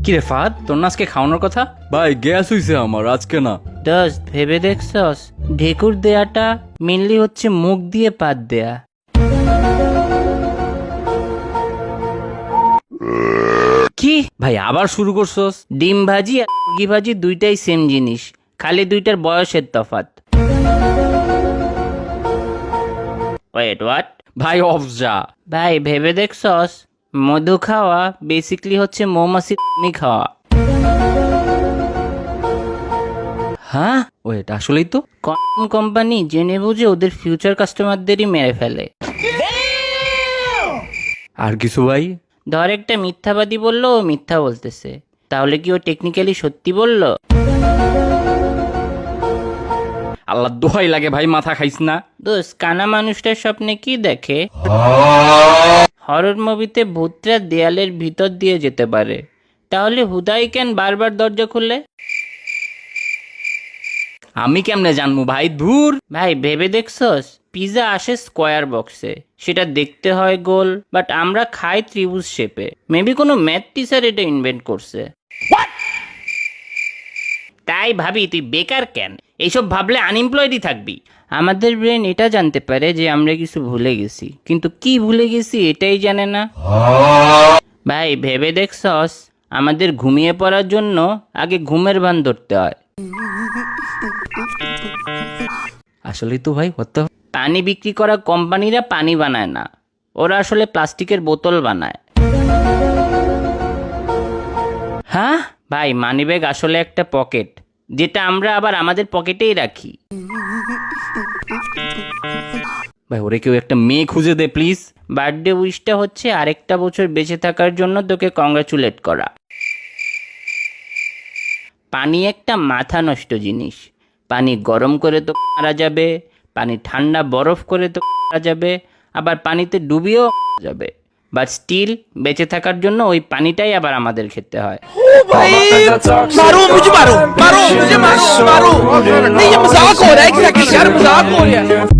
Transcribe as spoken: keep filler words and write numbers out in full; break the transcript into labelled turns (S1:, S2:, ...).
S1: কি রে ফাহাদ, তোর না আজকে খাওয়ানোর কথা?
S2: ভাই গ্যাস হইছে আমার, আজকে না।
S3: দোস্ত ভেবে দেখছস ঢেকুর দেয়াটা মেনলি হচ্ছে মুখ দিয়ে পাত দেয়া।
S1: কি ভাই আবার শুরু করছস?
S3: ডিম ভাজি আর মুরগি ভাজি দুইটাই সেম জিনিস, খালি দুইটার বয়সের তফাৎ। Wait what?
S1: ভাই অফ যা।
S3: ভাই ভেবে দেখছস মধু খাওয়া বেসিকলি হচ্ছে মৌমাছি খাওয়া।
S1: হ্যাঁ ওয়েট, আসলেই তো।
S3: কম কোম্পানি জেনে বুঝে ওদের ফিউচার কাস্টমারদেরই মেরে ফেলে।
S1: আর কিছু ভাই?
S3: ধর একটা মিথ্যাবাদী বললো ও মিথ্যা বলতেছে, তাহলে কি ও টেকনিক্যালি সত্যি বললো?
S1: আল্লাহ দোহাই লাগে ভাই, মাথা খাইস না।
S3: দোস্ত কানা মানুষটার স্বপ্নে কি দেখে? হরর মুভিতে ভূতরা দেয়ালের ভিতর দিয়ে যেতে পারে, তাহলে হুদাই কেন বারবার দরজা খুলে?
S1: আমি কেমনে জানবো ভাই, ধুর।
S3: ভাই ভেবে দেখছস পিজা আসে স্কোয়ার বক্সে, সেটা দেখতে হয় গোল, বাট আমরা খাই ত্রিভুজ শেপে। মেবি কোনো ম্যাথ টিচার এটা ইনভেন্ট করছে। তাই ভাবি তুই বেকার কেন? এইসব ভাবলে আনএমপ্লয়েডই থাকবি। আমাদের ব্রেন এটা জানতে পারে যে আমরা কিছু ভুলে গেছি, কিন্তু কি ভুলে গেছি এটাই জানে না। ভাই ভেবে দেখছস আমাদের ঘুমিয়ে পড়ার জন্য আগে ঘুমের ভান ধরতে হয়।
S1: আসলেই তো ভাই, হতে
S3: পানি বিক্রি করা কোম্পানিরা পানি বানায় না, ওরা আসলে প্লাস্টিকের বোতল বানায়। হ্যাঁ ভাই, মানিব্যাগ আসলে একটা পকেট, যেটা আমরা আবার আমাদের পকেটেই রাখি।
S1: ভাই ওরে কেউ একটা মেয়ে খুঁজে দে প্লিজ।
S3: বার্থডে উইশটা হচ্ছে আরেকটা বছর বেঁচে থাকার জন্য তোকে কংগ্রাচুলেট করা। পানি একটা মাথা নষ্ট জিনিস। পানি গরম করে তো মারা যাবে, পানি ঠান্ডা বরফ করে তো মারা যাবে, আবার পানিতে ডুবিয়েও মারা যাবে, বাট স্টিল বেঁচে থাকার জন্য ওই পানিটাই আবার আমাদের খেতে হয়।
S4: मारो मुझे मारो मारो मुझे मारो मारो नहीं ये मजाक हो रहा है, एग्जैक्टली यार मजाक हो रहा है।